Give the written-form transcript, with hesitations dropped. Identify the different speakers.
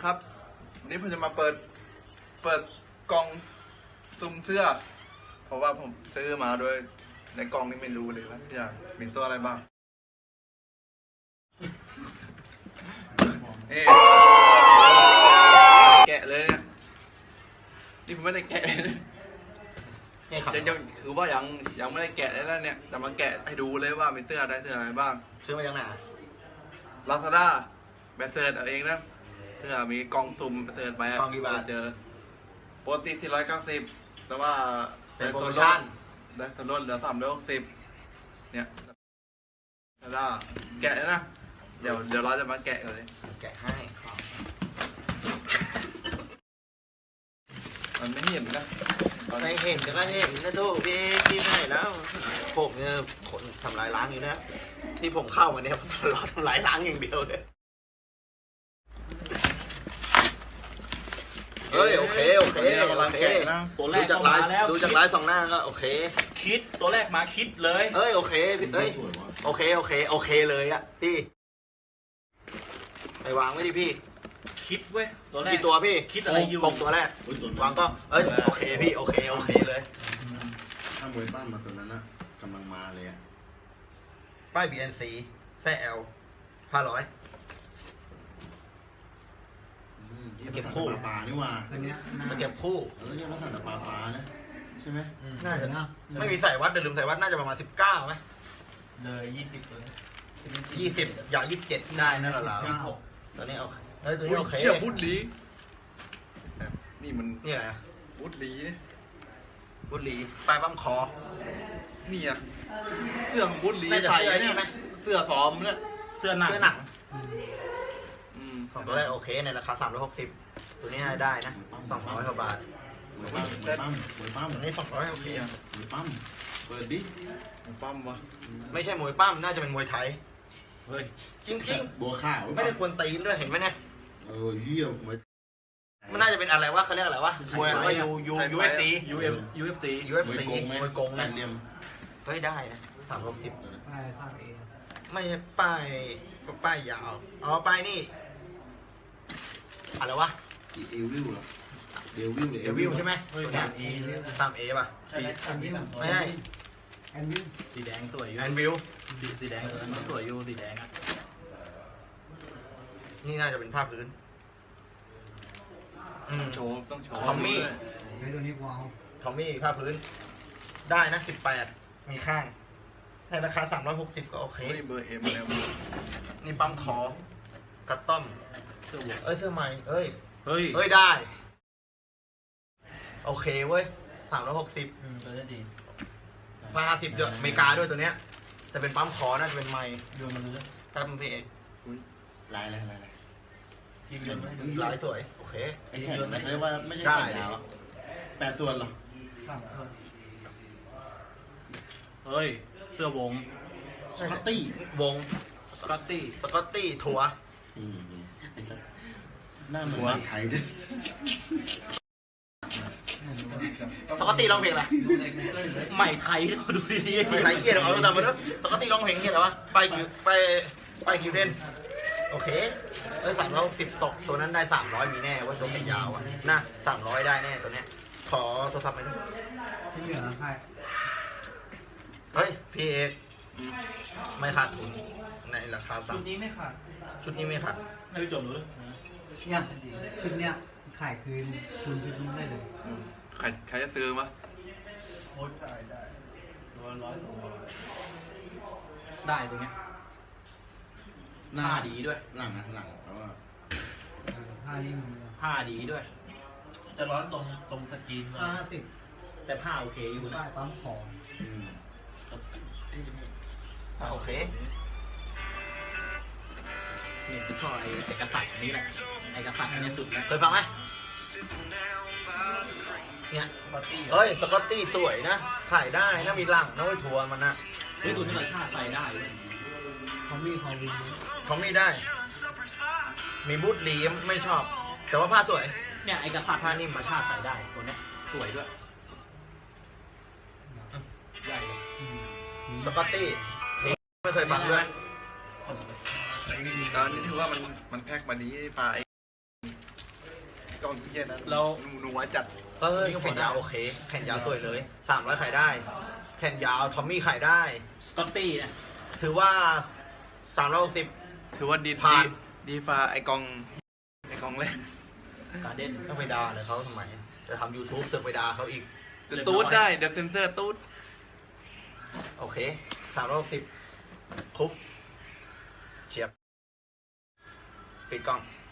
Speaker 1: ครับวันนี้ผมจะมาเปิดกล่องซุ่มเสื้อเพราะว่าผมซื้อมาโดยในกล่องนี้ไม่รู้เลยว่าจะมีตัวอะไรบ้างแกะเลยเนี่ยนี่ผมไม่ได้แกะเลยจะคือว่ายังไม่ได้แกะเลยนะเนี่ยแต่มาแกะให้ดูเลยว่ามีเสื้ออะไรบ้าง
Speaker 2: ซื้อมาจากไหน
Speaker 1: Lazada แบตเตอร์เอาเองนะเสื้อมีกล่องสุ่มแบตเตอร์ไป
Speaker 2: กล่องกี่บาท
Speaker 1: เจอปกติ490แต่ว่า
Speaker 2: เป็นโปรโมชั่น
Speaker 1: ได้ส่วนลดเหลือ360เนี่ยLazadaแกะนะเดี๋ยวเราจะมาแกะกันเลย
Speaker 2: แกะให้
Speaker 1: มันไม่เห็นนะ
Speaker 2: ไม่เห็นก็เห็นนะทุกพี่ที่ไหนแล้วผมเนี่ยคนทำลายล้างอยู่นะที่ผมเข้ามาเนี่ยรอทำลายล้างอย่างเดียวเลยเฮ้ยโอเค
Speaker 3: ตัวแรกมาแล้ว
Speaker 2: ดูจากไลฟ์สองหน้าก็โอเค
Speaker 3: คิดตัวแรกมาคิดเลย
Speaker 2: เฮ้ยโอเคเฮ้ยโอเคเลยอะพี่ไปวางไว้ดิพี่
Speaker 3: คิดเว้ยตัวแรก
Speaker 2: กี่ตัวพี่
Speaker 3: คิดอะไรอยู่
Speaker 2: 6ตัวแรกวางก็โอเคพี่โอเคเลย
Speaker 4: ถ้ามวยป้ามาตัวนั้นนะกำลังมาเลยอะ
Speaker 2: ป้าย BNC แซ่ L 500เก็บคู่
Speaker 4: ปลานี่ว่า
Speaker 2: มาเก็บคู่
Speaker 4: แล้วเนี่ยมาสั่งแต่ปลานะใช่ไหม
Speaker 2: น่าจะนะไม่มีใส่วัดเดี๋ยวลืมใส่วัดน่าจะประมาณ19ไหม
Speaker 3: เลย20เลย
Speaker 2: 20อย่า27ได้นั่นแหละตอนนี้โอเคตัวนี้โอเค
Speaker 1: บุตรีนี่มัน
Speaker 2: นี่อะไร
Speaker 1: บุตรี
Speaker 2: ปลายบั้มคอ
Speaker 1: นี่อะเสื้อของบุตรีใส่เนี่ยเสื้อซ้อมเนี่ย
Speaker 3: เสื้อหนัง
Speaker 2: ของตัวแรกโอเคในราคา360ตัวนี้ได้นะ200กว่าบาท
Speaker 4: มวยปั้ม
Speaker 2: ตัวนี้200โอเค
Speaker 4: มวยปั้มเปิดดิ
Speaker 1: มวยปั้มวะ
Speaker 2: ไม่ใช่มวยปั้มน่าจะเป็นมวยไทย
Speaker 3: เฮ้ย
Speaker 2: จริง
Speaker 4: บัวข้าว
Speaker 2: ไม่ได้ควรตีนด้วยเห็นไหมเนี่ย
Speaker 4: เยี่ยม
Speaker 2: มันน่าจะเป็นอะไรวะเขาเรียกอะไรวะมวยว่าUFC มวยกงนะเฮ้ยได้นะ360ไม่ใช่ป้ายยาวป้ายนี่อะไรวะ
Speaker 4: เอวิลเหรอเด
Speaker 2: วิลใช่ไหมตัวนี้ตามเอป่ะไม่ใช่
Speaker 3: สีแดงสวยอยู่
Speaker 2: แอนวิล
Speaker 3: สีแดงสวยอยู่สีแดงอ่ะ
Speaker 2: นี่น่าจะเป็นภาพพื้น
Speaker 1: ต้องโชว์
Speaker 2: ทอมมี่ภาพพื้นได้นะ18มีข้างในราคา360ก็โอเค
Speaker 1: เบอร์เอ็มแล้ว
Speaker 2: นี่ปั๊มคอกัตต้อมเสื้อใหม่เฮ้ยได้โอเคเว้ย360
Speaker 3: ตัวนี้ดี
Speaker 2: 50เดือนอเมริกาด้วยตัวเนี้ยแต่เป็นปั๊มคอน่าจะเป็นไมค์
Speaker 3: ดูมันเลย
Speaker 2: แป๊บนึงพี่เอก
Speaker 4: ลาย
Speaker 2: ลายสวยโอเค
Speaker 4: ไอ้แผ่นเรียกว่าไม่ใช่แผ่นยาว8 ส่วนหรอ
Speaker 3: เฮ้ยเสื้อวง
Speaker 4: สกอตตี้
Speaker 2: วง
Speaker 3: สกอต
Speaker 2: ตี้ถั่ว
Speaker 4: หน้าเหมือนไทยด้วย
Speaker 2: สกอตตี้ร้องเพลงอะไร
Speaker 3: ใหม่ไทยเขาดูดีๆ
Speaker 2: ใหม่ไทยเกียร์เอาดูตามมาด้วยสกอตตี้ร้องเพลงเกียร์อะไรวะไปคิวเด่นโอเค360ตกตัวนั้นได้300มีแน่ว่าตัวแขนยาวอ่ะนะ300ได้แน่ตัวเนี้ยขอโทรศัพท์ไปด้วย
Speaker 3: ที่เหลือใคร
Speaker 2: เฮ้ยพี่เอกไม่ขาดทุนในราคา
Speaker 3: ชุดนี้ไม่ขาดไม่ไปจบหรือ
Speaker 5: เนี่ยชุดเนี้ยขายคืนคุณชุดนี้ได้เลย
Speaker 1: ใครจะซื้อมะ
Speaker 3: โอ้ขายได้100-200ได้ตรงเนี้ยผ้าดีด้วย
Speaker 4: หลังเพราะว่า
Speaker 3: ผ้าดีด้วยจะร้อนตรงสกรีน50แต่ผ้าโอเคอยู่นะ
Speaker 5: ปั๊มของ
Speaker 2: โอเค
Speaker 3: นี่ชอบไอ้กษัตริย์นี้แหละไอ้กษัตริย์นี่สุดแล้ว
Speaker 2: เคยฟังไหมเนี่ยเฮ้ยสกอตตี้สวยนะขายได้นะมีหลังนะไว้ทัวร์มันนะ
Speaker 3: นี่ตัวนี้ราคาใส่ได้
Speaker 5: เขามี
Speaker 2: ได้มีบูทลีมไม่ชอบแต่ว่าผ้าสวย
Speaker 3: เนี่ยไอ้กษัตริย์ผ้านิ่มมาชาใส่ได้ตัวนี้สวยด้วยใหญ่
Speaker 2: สกอตตี้ไม่เคยฟังด้วย
Speaker 1: ตอนนี้ถือว่ามันแพ็คมาดีปลากล่องเย็นนั้น
Speaker 3: เรา
Speaker 1: หนูว่าจัด
Speaker 2: เออแขนยาวโอเค แขนยาวสวยเลย300ขายได้ แขนยาวทอมมี่ขายได้
Speaker 3: สกอตตี้เนี่ย
Speaker 2: ถือว่า360
Speaker 1: ถือว่าดี
Speaker 2: ผ่าน
Speaker 1: ดีฟ้าไอกล่องแรก
Speaker 3: การ์เด้น
Speaker 2: ต้องไปด่าเลยเขาทำไม จะทำ YouTube เสือกไปด่าเขาอีก
Speaker 1: เดี๋ยวตูดได้เดี๋ยวเซนเซอร์ตูด
Speaker 2: โอเค360คุบเฉียบปิดกล้อง